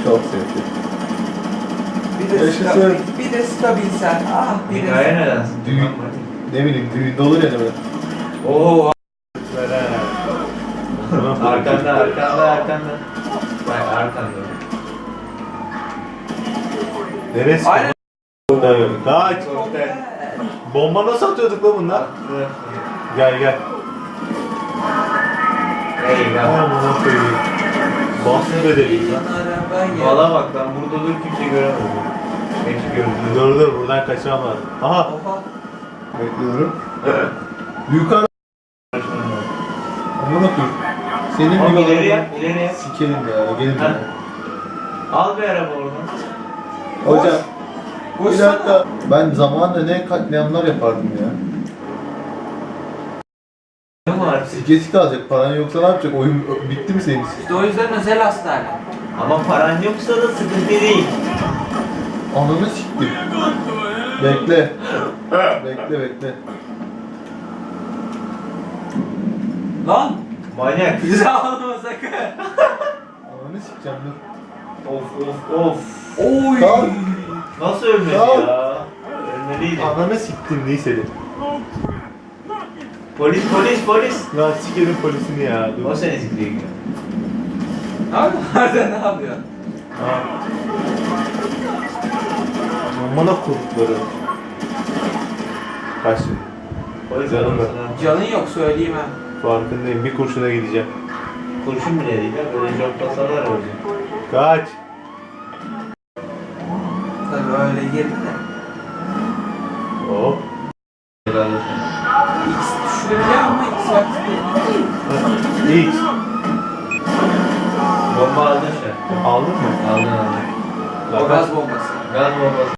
Çok sevdim. Bir de stabilsen. Ah bir de. Hikaye neden? Düğün, ne bileyim düğünde olur ya ne böyle. Oo. Tamam. Arkanda. Bak arkanda. Neresi? Aynen. Kaç. Bomba nasıl atıyorduk lan bunlar? Gel gel. Eyvah. Aman koyayım. Bastı bedeliyim lan. Valla bak ben burada dur kimse göremez. Peki gördüm. Dur buradan kaçamam lazım. Aha. Oha. Bekliyorum. Yukarı. Aman okuyayım. Senin Ama bir ileriye. sikerim ya. Gelin Ha. Al bir araba oradan. Hocam. Bir Koşsana. dakika. Ben zamanında ne katliamlar yapardım ya. Ne var? Sike alacak. Paran yoksa ne yapacak? Oyun bitti mi senin için? İşte o yüzden özel hastane. Ama paran yoksa da sıkıntı değil. Ananı siktim. Bekle. Bekle. Lan. Manyak. Bizi alma sakın. Ananı sikeceğim dur. Of. Oy. Kalk. Nasıl ölmedi Kalk. ya? Ölmeliydi. Ananı siktim neyse. Polis. Lan sikerim polisini ya. Dur. O seni sikliyor. Abi nerede ne yapıyor? Ha. Amına kurtları. Kaç. Polis Canım arabasına. Canın yok söyleyeyim ha. Farkındayım. Bir kurşuna gideceğim. Kurşun bile değil ya. Böyle joklasalar olacak. Kaç. Tabii öyle girdi de. Hop. Helal olsun. X düşürebiliyor ama X vakti değil. X. Bomba aldın şu an. Aldın mı? Aldın. O gaz bombası. Gaz bombası.